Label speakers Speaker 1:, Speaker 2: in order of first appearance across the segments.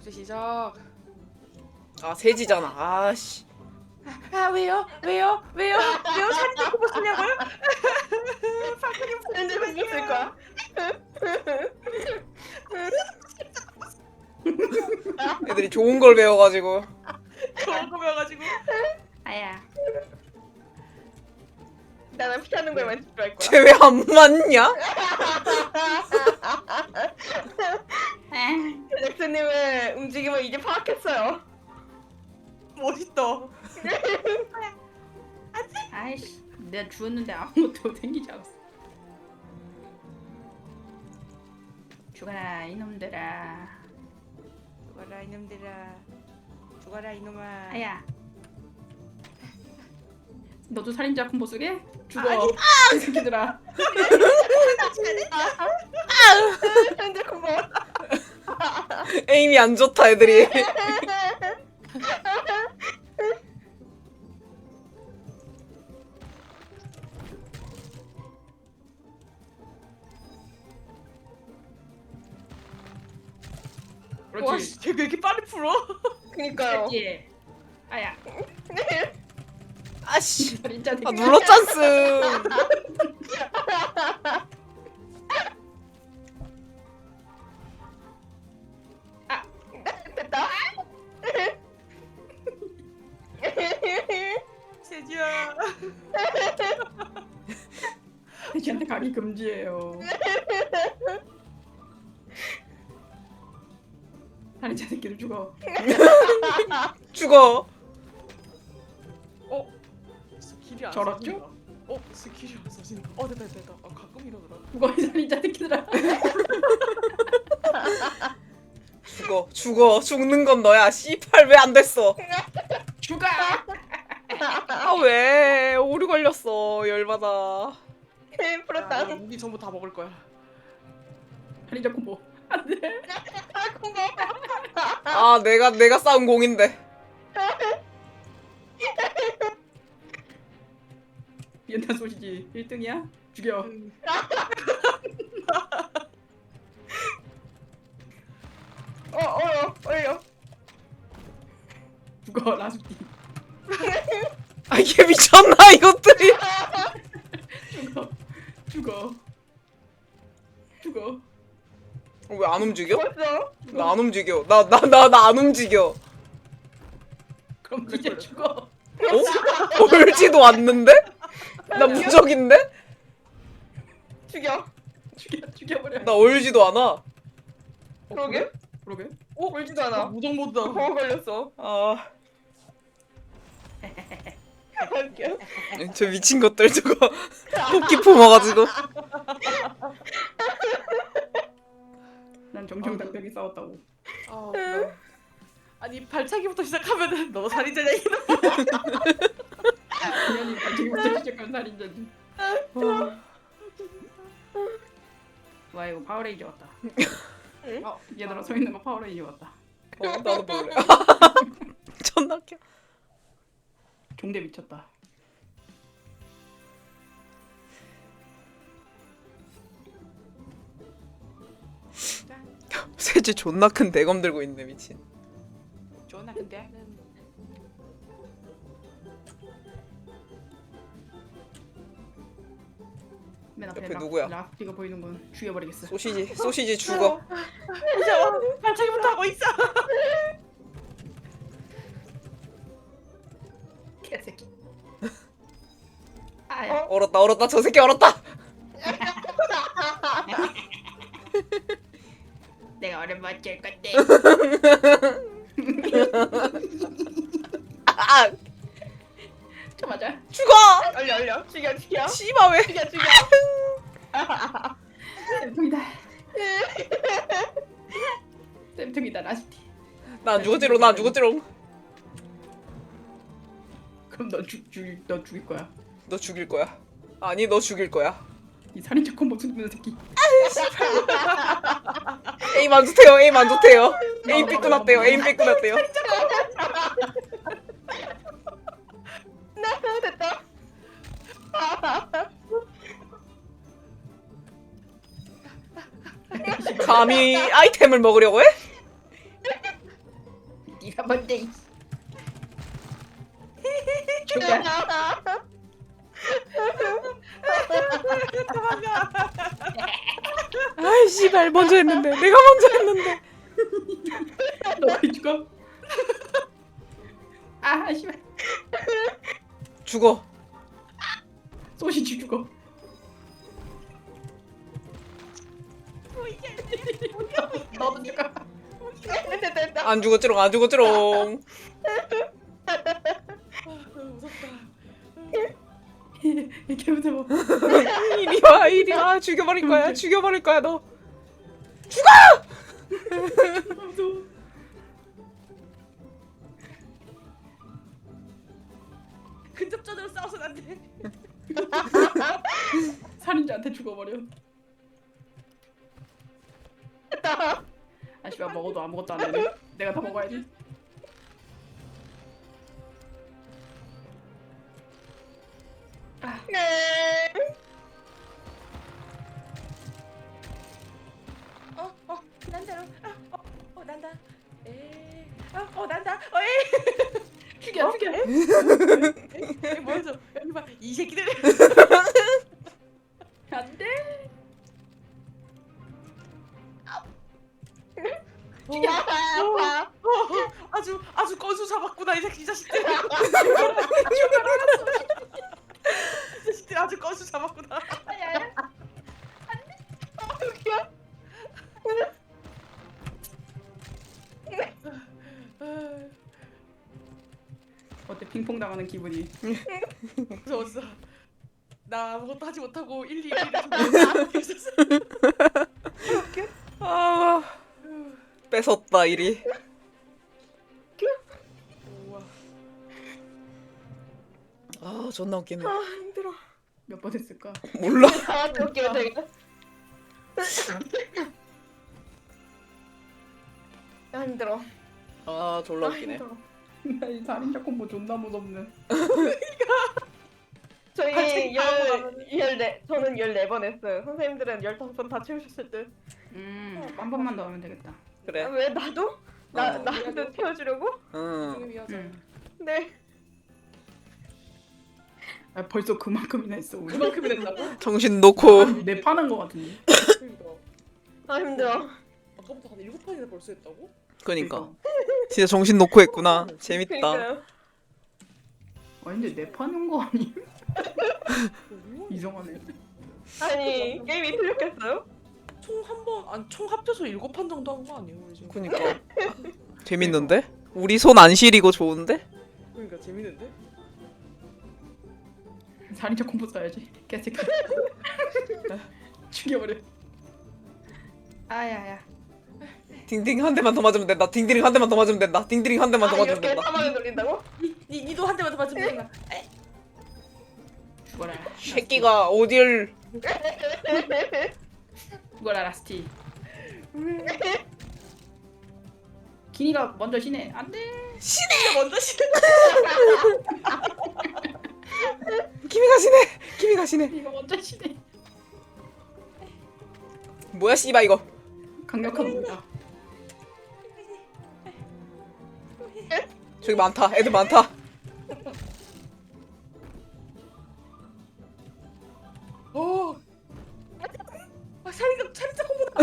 Speaker 1: 숙제 시작.
Speaker 2: 아 세지잖아. 아씨.
Speaker 1: 아 왜요? 왜요? 사진 찍고 뭐 쓰냐고요? 사진이
Speaker 3: 언제 공부 쓸 거야?
Speaker 2: 애들이 좋은 걸 배워가지고.
Speaker 1: 좋은 거 배워가지고.
Speaker 4: 아야.
Speaker 3: 나는 피하는 거에만 집중할 거야.
Speaker 2: 쟤 왜 안 맞냐?
Speaker 3: 잭스님의 움직임을 이제 파악했어요.
Speaker 1: 멋있다.
Speaker 4: 아이씨, 내가 주웠는데 아무것도 생기지 않았어. 죽어라 이놈들아.
Speaker 1: 죽어라 이놈들아. 죽어라 이놈아.
Speaker 4: 아야. 너도 살인자 콤보 쓰게? 죽어.
Speaker 1: 아니.
Speaker 4: 이 새끼들아.
Speaker 3: 현재 공부.
Speaker 2: 에임이 안 좋다 애들이.
Speaker 1: 와,
Speaker 4: 그렇지.
Speaker 1: 쟤 왜 이렇게 빨리 풀어?
Speaker 3: 그니까요.
Speaker 4: 그렇지. 아야.
Speaker 2: 아씨.
Speaker 4: 살인자
Speaker 2: 아 눌렀잖스.
Speaker 3: 됐다.
Speaker 1: 세지야.
Speaker 4: 돼지한테 가기 금지예요. 살인자 새끼들 죽어.
Speaker 2: 죽어.
Speaker 1: 스킬이 안
Speaker 4: 저렇죠?
Speaker 1: 써진다. 스킬이 안 써진다. 됐다. 가끔 이러더라.
Speaker 4: 죽어 이 살인자 새끼들아.
Speaker 2: 죽어. 죽는 건 너야. 씨팔 왜 안 됐어?
Speaker 4: 죽어.
Speaker 2: 아 왜? 오류 걸렸어. 열받아.
Speaker 3: 풀었다.
Speaker 1: 나 무기 전부 다 먹을 거야.
Speaker 4: 살인자 콤보. 안돼.
Speaker 3: 아, 공부.
Speaker 2: 아 내가 싸운 공인데.
Speaker 4: 연탄 소시지 1등이야? 죽여.
Speaker 3: 어려.
Speaker 4: 죽어 라수띠.
Speaker 2: 아 이게 미쳤나 이것들이.
Speaker 4: 죽어.
Speaker 2: 왜 안 움직여?
Speaker 3: 벌써?
Speaker 2: 나 안 움직여. 나 안 움직여.
Speaker 4: 그럼 이제 죽어.
Speaker 2: 어? 얼지도 않는데? 나 무적인데?
Speaker 4: 죽여버려.
Speaker 2: 나 얼지도 않아.
Speaker 3: 그러게?
Speaker 4: 그러게.
Speaker 3: 울지도 않아.
Speaker 1: 무정 모드다.
Speaker 3: 보고 걸렸어.
Speaker 2: 아,
Speaker 3: 웃겨.
Speaker 2: 저 미친 것들 저거 토끼 품어가지고.
Speaker 4: 난 정정당당히 싸웠다고.
Speaker 1: 아니 발차기부터 시작하면은 너 살인자냐 이놈.
Speaker 4: 당연히 지금부터 시작한 살인자지. 와 이거 파워레인저 같다.
Speaker 3: 응?
Speaker 4: 얘들아 서 있는 거 파워레인저 같다.
Speaker 2: 나도 볼래. 존나 웃겨.
Speaker 4: 종대 미쳤다.
Speaker 2: 세지 존나 큰 대검 들고 있네 미친.
Speaker 1: 좋나 근데?
Speaker 4: 맨 앞에
Speaker 2: 옆에 누구야?
Speaker 4: 라스티가 보이는 건 죽여버리겠어.
Speaker 2: 소시지 죽어.
Speaker 1: 발차기부터 하고 있어.
Speaker 4: 개새끼. 아야.
Speaker 2: 얼었다 저 새끼 얼었다.
Speaker 4: 내가 얼음 맞을 건데.
Speaker 2: 아
Speaker 4: 저 맞아.
Speaker 2: 죽어.
Speaker 3: 얼려. 죽여.
Speaker 2: 씨발 왜?
Speaker 3: 죽여.
Speaker 4: 쌤통이다. 쌤통이다 라스티.
Speaker 2: 나 안 죽었지롱.
Speaker 4: 그럼 너 죽일 거야.
Speaker 2: 너 죽일 거야. 아니 너 죽일 거야.
Speaker 4: 이 살인자 콤보 쓰는 새끼.
Speaker 2: 에임 안 좋대요. 에임 삐끗났대요.
Speaker 3: 됐다.
Speaker 2: 감히 아이템을 먹으려고 해?
Speaker 4: 네가 뭔데? 죽여.
Speaker 2: 아이 씨발 먼저 했는데 내가 먼저 했는데.
Speaker 4: 너 왜 죽어? 아 씨발.
Speaker 2: 죽어.
Speaker 4: 소시지 죽어. 너도 죽어.
Speaker 3: 됐다.
Speaker 2: 안 죽었지롱 안 죽었지롱.
Speaker 1: 너무 무섭다.
Speaker 4: 이렇게 무서워.
Speaker 2: 이리 와 이리 와 죽여버릴 거야 죽여버릴 거야 너.
Speaker 4: 무서워.
Speaker 1: 근접전으로 싸워서는 안 돼.
Speaker 4: 살인자한테 죽어버려.
Speaker 3: 됐다.
Speaker 4: 아 씨발 먹어도 아무것도 안 되네. 내가 다 먹어야지.
Speaker 3: 네.
Speaker 1: 난다로. 난다. 난다. 에이.
Speaker 4: 죽여 죽여.
Speaker 1: 에이, 뭐였어? 여기 봐. 이 새끼들.
Speaker 4: 안돼.
Speaker 3: 아파.
Speaker 1: 아주 건수 잡았구나 이 자식들. 이 자식들 아주 건수 잡았구나.
Speaker 3: 웃겨.
Speaker 4: 어때 핑퐁 당하는 기분이?
Speaker 1: 무서웠어. 나 아무것도 하지 못하고 1, 2, 1을 있었어.
Speaker 2: 아 뺏었다 이리.
Speaker 1: 우와.
Speaker 2: 아 존나 웃기네.
Speaker 1: 힘들어.
Speaker 4: 몇 번 했을까?
Speaker 2: 몰라.
Speaker 3: 아, 웃겨 되게. 아 힘들어.
Speaker 2: 아 졸라
Speaker 3: 아
Speaker 2: 웃기네.
Speaker 3: 힘들어.
Speaker 4: 나이 살인자 콤보 존나 무섭네.
Speaker 3: 저희
Speaker 1: 갑자기 바로 나가네.
Speaker 3: 저는 14번 했어요. 선생님들은 15번 다 채우셨을 듯.
Speaker 4: 한 번만 더 하면 되겠다.
Speaker 2: 그래.
Speaker 3: 아, 왜 나도? 나도 태워주려고?
Speaker 2: 응.
Speaker 1: 조용히 하자.
Speaker 3: 네.
Speaker 4: 아 벌써 그만큼이나 했어 우리.
Speaker 1: 그만큼이 된다고?
Speaker 2: 정신 놓고.
Speaker 4: 내 파는 거 같은데.
Speaker 1: 그러니까.
Speaker 3: 아 힘들어.
Speaker 1: 아까부터 한 7판이나 벌써 했다고?
Speaker 2: 그니까 진짜 정신 놓고 했구나. 재밌다.
Speaker 3: 그러니까요.
Speaker 4: 아니 근데 내 파는 거 아니?
Speaker 1: 뭐야?
Speaker 4: 이상하네.
Speaker 3: 아니 게임이 틀렸겠어요?
Speaker 1: 총 합쳐서 7판 정도 한 거 아니에요 우리 지금?
Speaker 2: 그니까 재밌는데? 우리 손 안 시리고 좋은데?
Speaker 1: 그러니까 재밌는데?
Speaker 4: 살인자 콤보 써야지. 개새끼. 죽여버려. 아야야.
Speaker 2: 딩딩 한 대만 더 맞으면 된다. 딩딩 한 대만 더 맞으면 된다. 딩딩 한 대만 더 맞으면
Speaker 3: 이렇게
Speaker 2: 된다.
Speaker 3: 사망을 돌린다고?
Speaker 1: 니도 한 대만 더 맞으면 되나?
Speaker 4: 죽어라.
Speaker 2: 새끼가 어딜.
Speaker 4: 죽어라 라스티. 기니가 먼저 쉬네. 안돼.
Speaker 1: 신이가 먼저 신을.
Speaker 2: 김이 가시네. 김이 가시네.
Speaker 4: 기니가 먼저 쉬네.
Speaker 2: 뭐야 씨발 이거.
Speaker 4: 강력합니다.
Speaker 2: 저기 많다. 애들 많다.
Speaker 1: 어. 살인자 콤보다.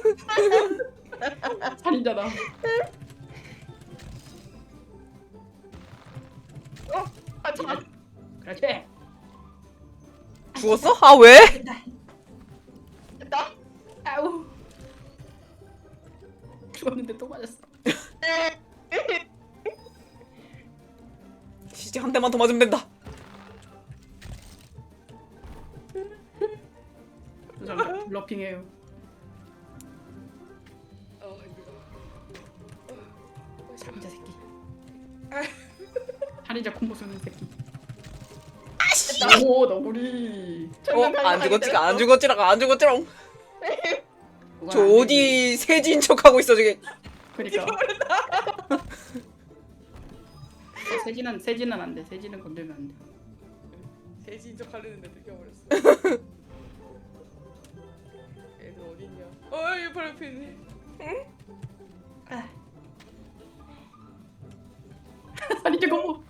Speaker 4: 살인자다.
Speaker 3: 아 참.
Speaker 4: 그렇지.
Speaker 2: 죽었어? 아 왜?
Speaker 3: 됐다.
Speaker 4: 아우. 죽었는데 또 맞았어.
Speaker 2: 진짜 한 대만 더 맞으면 된다.
Speaker 4: 저 러핑해요.
Speaker 1: 힘들다.
Speaker 4: 살인자 새끼. 살인자 콤보 쓰는 새끼. 오 너구리.
Speaker 2: 안 죽었지가 안 죽었지랑 안 죽었지랑.
Speaker 4: 그건
Speaker 2: 저
Speaker 4: 안 되지.
Speaker 2: 어디 세진 척하고 있어 저게.
Speaker 4: 그러니까. 세진은 안 돼. 세진은 건들면 안 돼.
Speaker 1: 돼지인 척 하려는데 들켜버렸어. 애들 어딨냐? 여기 바로 옆에 있네.
Speaker 4: 아니 잠깐만.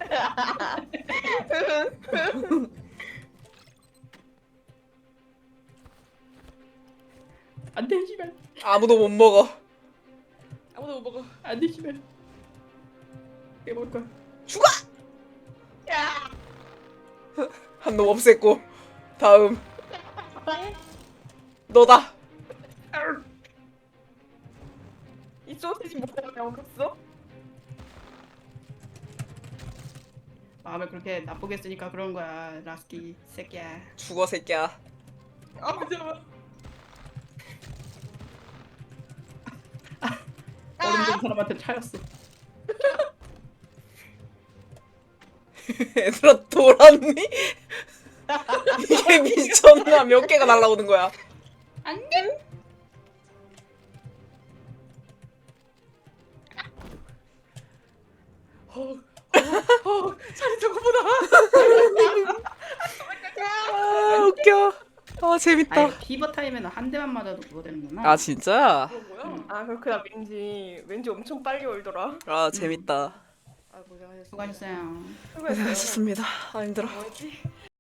Speaker 4: 안돼 씨발.
Speaker 2: 아무도 못 먹어.
Speaker 1: 아무도 못 먹어.
Speaker 4: 안돼 씨발. 이게 먹을 거야.
Speaker 3: 야.
Speaker 2: 한 놈 없앴고 다음 너다.
Speaker 3: 이 소시지 뭐야 없어?
Speaker 4: 마음을 그렇게 나쁘게 쓰니까 그런 거야 라스키 새끼야.
Speaker 2: 죽어 새끼야.
Speaker 1: 아 잠깐만.
Speaker 4: 얼음 된 사람한테 차였어.
Speaker 2: 얘들아 돌았니? 이게 미쳤나? 몇 개가 날라오는 거야?
Speaker 4: 안돼.
Speaker 1: 살인자 것보다.
Speaker 2: 아 웃겨. 아 재밌다.
Speaker 4: 아니 피버 타임에는 한 대만 맞아도 그거 되는구나.
Speaker 2: 아 진짜?
Speaker 1: 그건 뭐야?
Speaker 3: 아 그렇구나. 왠지 엄청 빨리 올더라.
Speaker 2: 아 재밌다.
Speaker 1: 아 고생하셨습니다.
Speaker 4: 수고하셨어요.
Speaker 3: 수고했어요.
Speaker 2: 좋습니다. 아 힘들어.
Speaker 1: 뭐였지?